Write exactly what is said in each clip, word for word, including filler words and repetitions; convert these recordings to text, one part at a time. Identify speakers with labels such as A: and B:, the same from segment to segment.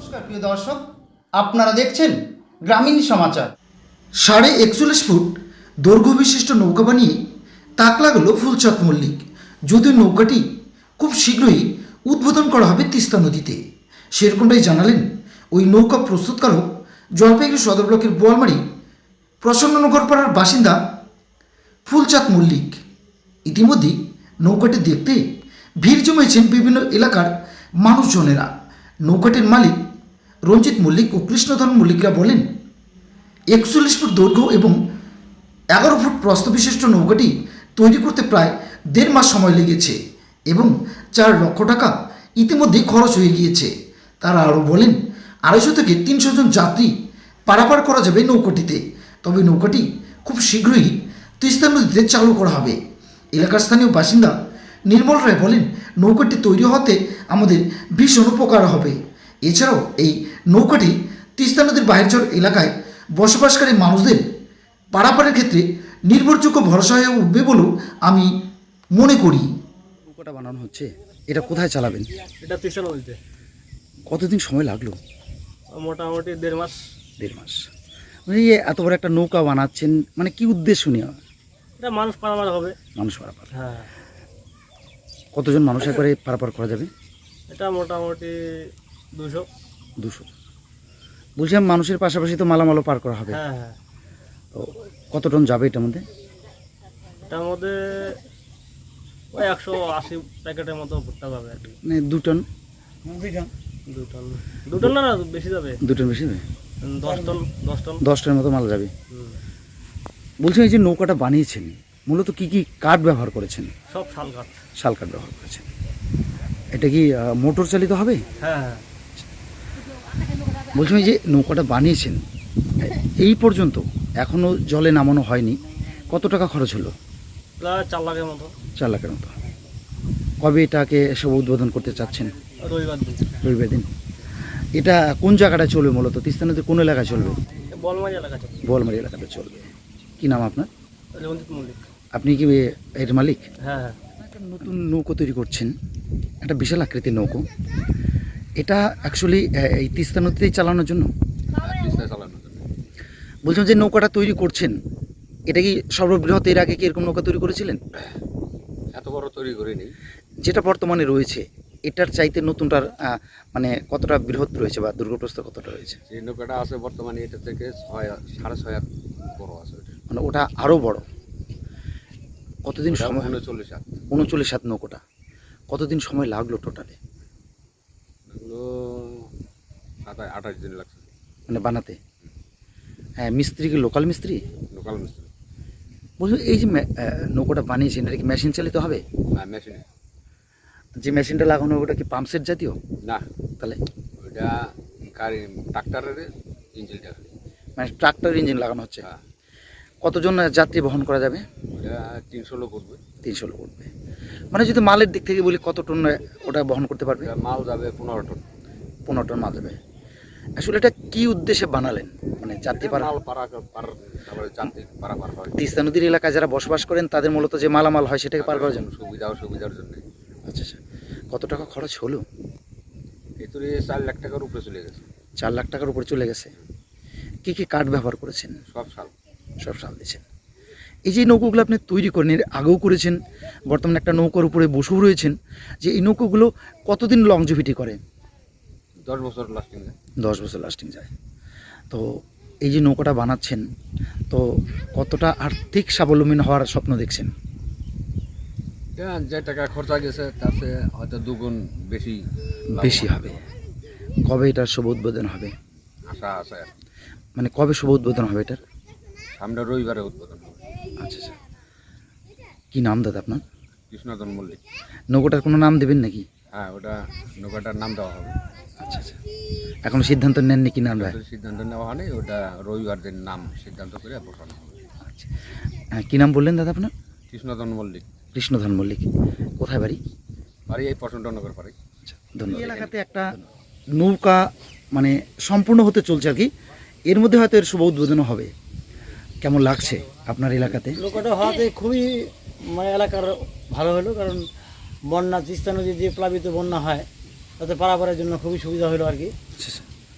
A: নমস্কার প্রিয় দর্শক, আপনারা দেখছেন গ্রামীণ সমাচার। সাড়ে একচল্লিশ ফুট দৈর্ঘ্য বিশিষ্ট নৌকা বানিয়ে তাক লাগালো ফুলচাঁদ মল্লিক। যদিও নৌকাটি খুব শীঘ্রই উদ্বোধন করা হবে তিস্তা নদীতে, সেরকমটাই জানালেন ওই নৌকা প্রস্তুতকারক জলপাইগুড়ি সদর ব্লকের বোয়ালমারি প্রসন্ননগর পাড়ার বাসিন্দা ফুলচাঁদ মল্লিক। ইতিমধ্যেই নৌকাটি দেখতে ভিড় জমেছেন বিভিন্ন এলাকার মানুষজনেরা। নৌকাটির মালিক রঞ্জিত মল্লিক ও কৃষ্ণধন মল্লিকরা বলেন, একচল্লিশ ফুট দৈর্ঘ্য এবং এগারো ফুট প্রস্থ বিশিষ্ট নৌকাটি তৈরি করতে প্রায় দেড় মাস সময় লেগেছে এবং চার লক্ষ টাকা ইতিমধ্যেই খরচ হয়ে গিয়েছে। তারা আরও বলেন, আড়াইশো থেকে তিনশো জন যাত্রী পারাপার করা যাবে নৌকাটিতে। তবে নৌকাটি খুব শীঘ্রই তিস্তা নদীতে চালু করা হবে। এলাকার স্থানীয় বাসিন্দা নির্মল রায় বলেন, নৌকাটি তৈরি হতে আমাদের ভীষণ উপকার হবে। এছাড়াও এই নৌকাটি তিস্তা নদীর বাহিরচর এলাকায় বসবাসকারী মানুষদের পারাপারের ক্ষেত্রে নির্ভরযোগ্য ভরসা হয়ে উঠবে বলেও আমি মনে করি।
B: নৌকাটা বানানো হচ্ছে, এটা কোথায় চালাবেন?
C: এটা তিস্তা নদীতে।
B: কতদিন সময় লাগলো?
C: মোটামুটি দেড় মাস।
B: দেড় মাস মানে এই এত বড় একটা নৌকা বানাচ্ছেন, মানে কি উদ্দেশ্য নিয়ে?
C: এটা মানুষ পারাপার হবে।
B: মানুষ পারাপার।
C: হ্যাঁ,
B: কতজন মানুষ একবারে পারাপার করা যাবে?
C: এটা মোটামুটি দুশো।
B: দুশো। বলছিলাম মানুষের পাশাপাশি তো মালামালও পার করা হবে।
C: হ্যাঁ হ্যাঁ।
B: তো কত টন যাবে এটার মধ্যে?
C: এটার মধ্যে ওই একশো আশি প্যাকেটের মতো ভুট্টা যাবে আর কি।
B: মানে দু টন?
C: দু টন দু টন না না বেশি যাবে।
B: দু টন বেশি যাবে?
C: দশ টন দশ টন
B: দশ টনের মতো মাল যাবে।
C: হুম।
B: বলছেন এই যে নৌকাটা বানিয়েছেন মূলত কি কি কাঠ ব্যবহার করেছেন?
C: সব শাল কাঠ।
B: শাল কাঠ ব্যবহার করেছেন। এটা কি মোটর চালিত হবে?
C: হ্যাঁ হ্যাঁ।
B: বলছিলাম এই যে নৌকাটা বানিয়েছেন এই পর্যন্ত এখনও জলে নামানো হয়নি, কত টাকা খরচ হলো?
C: প্রায় চার লাখের মতো।
B: চার লাখের মতো। কবে এটাকে সব উদ্বোধন করতে চাচ্ছেন?
C: রবিবার দিন।
B: রবিবার দিন। এটা কোন জায়গাটায় চলবে মূলত? তিস্তা নদীর কোন এলাকায় চলবে?
C: বলমারি এলাকা চলবে।
B: বোয়ালমারি এলাকাটা চলবে। কি নাম আপনার?
C: রঞ্জিত মল্লিক।
B: আপনি কি এর মালিক?
C: হ্যাঁ হ্যাঁ।
B: একটা নতুন নৌকো তৈরি করছেন, একটা বিশাল আকৃতির নৌকো। এটা অ্যাকচুয়ালি এই তিস্তা নদীতেই চালানোর জন্য? বলছিলাম যে নৌকাটা তৈরি করছেন, এটা কি সর্ববৃহৎ? এর আগে কি এরকম নৌকা তৈরি করেছিলেন?
D: এত বড় তৈরি করিনি।
B: যেটা বর্তমানে রয়েছে এটার চাইতে নতুনটার মানে কতটা বৃহৎ রয়েছে বা দুর্গপ্রস্থ কতটা রয়েছে?
D: যে নৌকাটা আছে বর্তমানে এটা থেকে ছয় সাড়ে ছয় হাত বড় আছে।
B: মানে ওটা আরও বড়। কতদিন সময়?
D: উনচল্লিশ হাত।
B: উনচল্লিশ হাত নৌকোটা। কতদিন সময় লাগলো টোটালে?
D: এগুলো সাতাশ আঠাশ দিন লাগছে
B: মানে বানাতে? হ্যাঁ। মিস্ত্রি কি লোকাল মিস্ত্রি?
D: লোকাল মিস্ত্রি।
B: বলছো এই যে নৌকোটা বানিয়েছেন এটা কি মেশিন চালিত হবে?
D: না, মেশিনে।
B: যে মেশিনটা লাগানো ওটা কি পাম্পসেট জাতীয়?
D: না,
B: তাহলে
D: ওইটা গাড়ি ট্রাক্টরের ইঞ্জিনটা।
B: মানে ট্রাক্টর ইঞ্জিন লাগানো হচ্ছে।
D: হ্যাঁ।
B: কতজন যাত্রী বহন করা যাবে?
D: ওটা তিনশো লোক উঠবে।
B: তিনশো লোক উঠবে। মানে যদি মালের দিক থেকে বলি কত টন ওটা বহন করতে পারবে?
D: মাল যাবে পনেরো টন।
B: পনেরো টন মাল যাবে। আসলে এটা কি উদ্দেশ্যে বানালেন? মানে যাত্রী পারা?
D: মাল পারা পার তারপরে যাত্রী পারাপার হয়।
B: তিস্তা নদীর এলাকায় যারা বসবাস করেন তাদের মূলত যে মালামাল হয় সেটাকে পার করার জন্য?
D: সুবিধা সুবিধার জন্য।
B: আচ্ছা আচ্ছা। কত টাকা খরচ হলো?
D: এই তো চার লাখ টাকার উপরে চলে গেছে।
B: চার লাখ টাকার উপরে চলে গেছে। কি কি কাঠ ব্যবহার করেছেন?
D: সব সাল।
B: সব সাল দিয়েছেন। এই যে নৌকোগুলো আপনি তৈরি করেন, এর আগেও করেছেন, বর্তমানে একটা নৌকার উপরে বসেও রয়েছেন, যে এই নৌকোগুলো কতদিন লংজিভিটি করে?
D: দশ বছর লাস্টিং যায়।
B: দশ বছর লাস্টিং যায়। তো এই যে নৌকাটা বানাচ্ছেন, তো কতটা আর্থিক স্বাবলম্বী হওয়ার স্বপ্ন দেখছেন?
D: যে টাকা খরচা গেছে তার চেয়ে হয়তো দুগুণ বেশি
B: বেশি হবে। কবে এটার শুভ উদ্বোধন হবে?
D: আশা আছে।
B: মানে কবে শুভ উদ্বোধন হবে এটার?
D: সামনে রবিবারে উদ্বোধন হবে।
B: আচ্ছা আচ্ছা। কী নাম দাদা আপনার?
D: কৃষ্ণধন মল্লিক।
B: নৌকাটার কোনো নাম দেবেন নাকি?
D: হ্যাঁ, ওটা নৌকাটার নাম দেওয়া হবে।
B: আচ্ছা আচ্ছা। এখন সিদ্ধান্ত নেননি কি নাম?
D: সিদ্ধান্ত নেওয়া হয়নি, ওটা রবিবার দিন নাম সিদ্ধান্ত করে বসানো হবে।
B: আচ্ছা। হ্যাঁ, কী নাম বললেন দাদা আপনার?
D: কৃষ্ণধন মল্লিক।
B: কৃষ্ণধন মল্লিক। কোথায় বাড়ি?
D: বাড়ি এই প্রচণ্ডনগর পাড়ি।
B: আচ্ছা, ধন্যবাদ। এই এলাকাতে একটা নৌকা মানে সম্পূর্ণ হতে চলছে আর কি, এর মধ্যে হয়তো এর শুভ উদ্বোধন হবে। কেমন লাগছে আপনার এলাকাতে?
E: নৌকাটা হওয়াতে খুবই মানে এলাকার ভালো হলো, কারণ বন্যা তিস্তা নদী যে প্লাবিত বন্যা হয় তাতে পারাপারের জন্য খুবই সুবিধা হলো আর কি।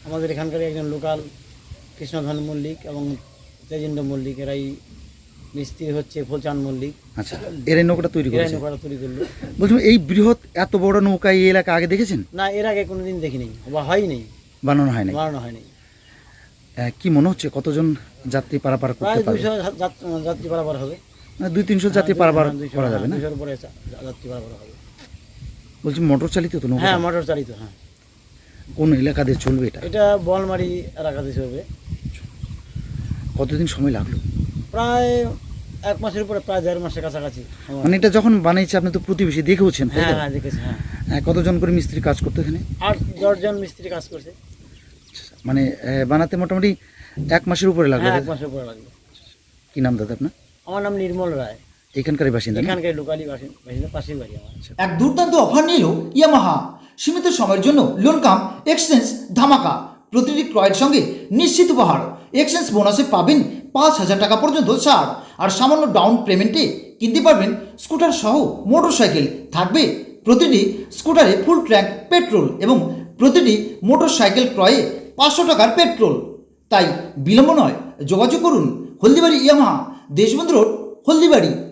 E: আমাদের এখানকার একজন লোকাল কৃষ্ণধন মল্লিক এবং তেজেন্দ্র মল্লিক, এরাই মিস্ত্রি হচ্ছে ফুলচাঁদ মল্লিক,
B: আচ্ছা, এর এই নৌকাটা তৈরি
E: এরাই
B: করেছে।
E: নৌকাটা তৈরি করলো।
B: বলছিলাম এই বৃহৎ এত বড় নৌকা এই এলাকা আগে দেখেছেন?
E: না, এর আগে কোনোদিন দেখিনি বা হয়নি,
B: বানানো হয় নাই।
E: বানানো হয়নি।
B: আহ, কি মনে হচ্ছে কতজন যাত্রী পারাপার
E: প্রায়
B: করতে পারবে?
E: দুইশো যাত্রী পারাপার হবে।
B: মানে দুই তিনশো যাত্রী পারাপার করা যাবে না?
E: দুইশোর উপরে যাত্রী পারাপার হবে।
B: বলছি মোটর চালিত তো নৌকা?
E: হ্যাঁ, মোটর চালিত। হ্যাঁ,
B: কোন এলাকা দিয়ে চলবে এটা?
E: এটা বলমারি এলাকাতে চলবে।
B: কতদিন সময় লাগলো?
E: প্রায় এক মাসের উপরে, প্রায় দেড় মাসের কাছাকাছি।
B: মানে এটা যখন বানিয়েছে আপনি তো প্রতিবেশী দেখেওছেন, তাই
E: হ্যাঁ
B: তো?
E: হ্যাঁ দেখেছি। হ্যাঁ,
B: হ্যাঁ, কতজন করে মিস্ত্রি কাজ করতো এখানে?
E: আট দশজন মিস্ত্রি কাজ করছে।
B: মানে আহ, বানাতে মোটামুটি এক মাসের উপরে লাগলো।
E: হ্যাঁ, এক মাসের উপরে লাগলো।
B: কি নাম দাদা আপনার?
E: আমার নাম নির্মল রায়,
B: এখানকারই বাসিন্দা না?
E: এখানকার লোকালি বাসিন্দা, পাশের বাড়ি আমার।
A: এক দুর্দান্ত অফার নিল ইয়ামাহা। সীমিত সময়ের জন্য লোন কাম এক্সচেঞ্জ ধামাকা। প্রতিটি ক্রয়ের সঙ্গে নিশ্চিত উপহার। এক্সচেঞ্জ বোনাসে পাবেন পাঁচ হাজার টাকা পর্যন্ত ছাড়। আর সামান্য ডাউন পেমেন্টে কিনতে পারবেন স্কুটার সহ মোটর সাইকেল। থাকবে প্রতিটি স্কুটারে ফুল ট্যাঙ্ক পেট্রোল এবং প্রতিটি মোটর সাইকেল ক্রয়ে পাঁচশো টাকার পেট্রোল। তাই বিলম্ব নয়, যোগাযোগ করুন হলদিবাড়ি ইয়ামাহা, দেশবন্ধু রোড, হলদিবাড়ি।